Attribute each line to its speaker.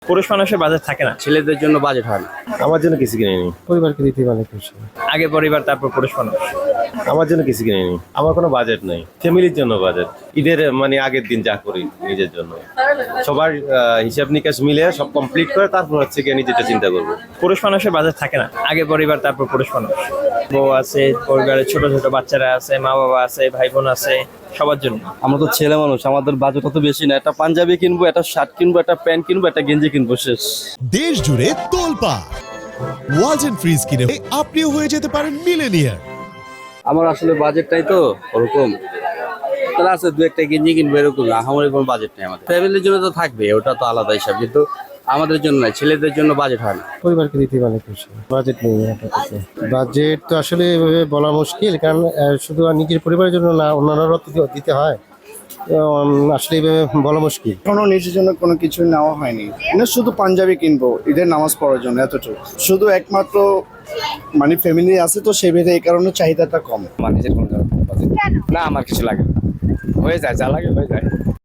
Speaker 1: পুরুষ মানুষের বাজেট থাকে না,
Speaker 2: ছেলেদের জন্য বাজেট হয় না।
Speaker 3: আমার জন্য কিছু কিনেনি।
Speaker 4: পরিবারকে দিতে পারে খুশি।
Speaker 1: আগে পরিবার তারপর পুরুষ মানুষ।
Speaker 3: আমার জন্য কিছু কিনেনি। আমার কোনো বাজেট নাই, ফ্যামিলির জন্য বাজেট। ঈদের মানে আগের দিন যা করি নিজের জন্য, সবার হিসাব নিকাশ মিলে সব কমপ্লিট করে তারপর হচ্ছে গিয়ে নিজেটা চিন্তা করবো।
Speaker 1: পুরুষ মানুষের বাজেট থাকে না, আগে পরিবার তারপর পুরুষ মানুষ। বউ আছে, পরিবারের ছোট ছোট বাচ্চারা আছে, মা বাবা আছে, ভাই বোন আছে, সবার জন্য।
Speaker 2: আমরা তো ছেলে মানুষ, আমাদের বাজেট অত বেশি না। একটা পাঞ্জাবি কিনবো, একটা শার্ট কিনবো, একটা প্যান্ট কিনবো, একটা গেঞ্জি কিনবো, শেষ।
Speaker 5: দেশ জুড়ে তোলপা ওয়ালজ এন্ড ফ্রিজ কিনে আপনিও হয়ে যেতে পারেন মিলেনিয়ার।
Speaker 2: আমার আসলে বাজেটটাই তো ওরকম, তাহলে আছে দু একটা গেঞ্জি কিনবো, এরকম আমার কোনো বাজেট নেই। আমাদের ফ্যামিলির জন্য তো থাকবে, ওটা তো আলাদা হিসাব, কিন্তু আমাদের জন্য নয়, ছেলেদের জন্য বাজেট হয় না।
Speaker 4: পরিবারকে দিতে পারে খুশি। বাজেট নেই আপাতত। বাজেট তো আসলে এভাবে বলা মুশকিল, কারণ শুধু আর নিজের পরিবারের জন্য না, অন্যান্যরাও তো দিতে হয়। তো, আসলে এভাবে বলা মুশকিল।
Speaker 6: এখনো নিজের জন্য কোনো কিছু নেওয়া হয়নি, না শুধু পাঞ্জাবি কিনবো ঈদের নামাজ পড়ার জন্য, এতটুকু। শুধু একমাত্র মানে ফ্যামিলি আছে তো সেই ভেবে এই কারণে চাহিদাটা কম।
Speaker 2: আমার নিজের কোনো বাজেট না, আমার কিছু লাগে না, হয়ে যায়, যা লাগে হয়ে যায়।